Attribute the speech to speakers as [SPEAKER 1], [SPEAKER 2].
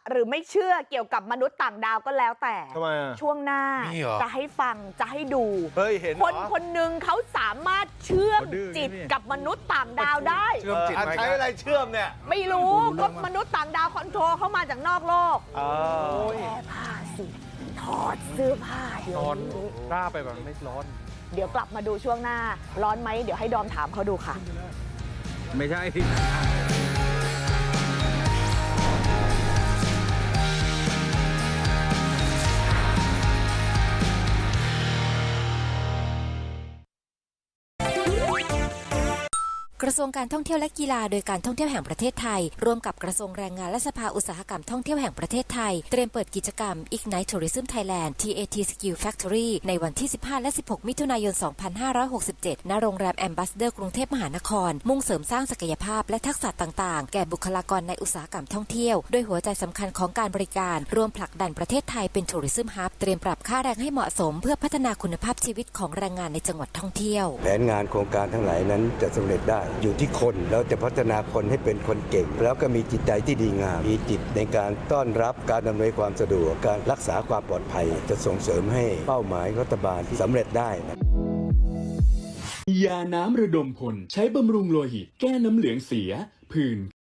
[SPEAKER 1] หรือไม่เชื่อเกี่ยวกับมนุษย์ต่างดาวก็แล้วแต่
[SPEAKER 2] ทำไมอ่ะ
[SPEAKER 1] ช่วงหน้าจะให้ฟังจะให้ดู
[SPEAKER 2] เห็น
[SPEAKER 1] คนหนึ่งเขาสามารถเชื่อมจิตกับมนุษย์ต่างดาวได้
[SPEAKER 2] ใช้อะไรเชื่อมเนี่ย
[SPEAKER 1] ไม่รู้ก็มนุษย์ต่างดาวคอนโทรลเข้ามาจากนอกโลกแก้ผ้าสิถอดเสื้อผ้าเดี๋ยวนี้
[SPEAKER 3] ร่าไปแบบไม่ร้อน
[SPEAKER 1] เดี๋ยวกลับมาดูช่วงหน้าร้อนไหมเดี๋ยวให้ดอมถามเขาดูค่ะ
[SPEAKER 3] ไม่ใช่
[SPEAKER 4] กระทรวงการท่องเที่ยวและกีฬาโดยการท่องเที่ยวแห่งประเทศไทยร่วมกับกระทรวงแรงงานและสภาอุตสาหกรรมท่องเที่ยวแห่งประเทศไทยเตรียมเปิดกิจกรรม Ignite Tourism Thailand TAT Skill Factory ในวันที่ 15 และ 16 มิถุนายน 2567 ณ โรงแรม Ambassador กรุงเทพมหานครมุ่งเสริมสร้างศักยภาพและทักษะต่างๆแก่บุคลากรในอุตสาหกรรมท่องเที่ยวโดยหัวใจสำคัญของการบริการร่วมผลักดันประเทศไทยเป็น Tourism Hub เตรียมปรับค่าแรงให้เหมาะสมเพื่อพัฒนาคุณภาพชีวิตของแรงงานในจังหวัดท่องเที่ยว
[SPEAKER 5] แผนงานโครงการทั้งหลายนั้นจะสำเร็จได้อยู่ที่คนแล้วจะพัฒนาคนให้เป็นคนเก่งแล้วก็มีจิตใจที่ดีงามมีจิตในการต้อนรับการอำนวยความสะดวกการรักษาความปลอดภัยจะส่งเสริมให้เป้าหมายรัฐบาลที่สำเร็จได้นะ
[SPEAKER 6] ยาน้ำระดมพลใช้บำรุงโลหิตแก้น้ำเหลืองเสียผื่น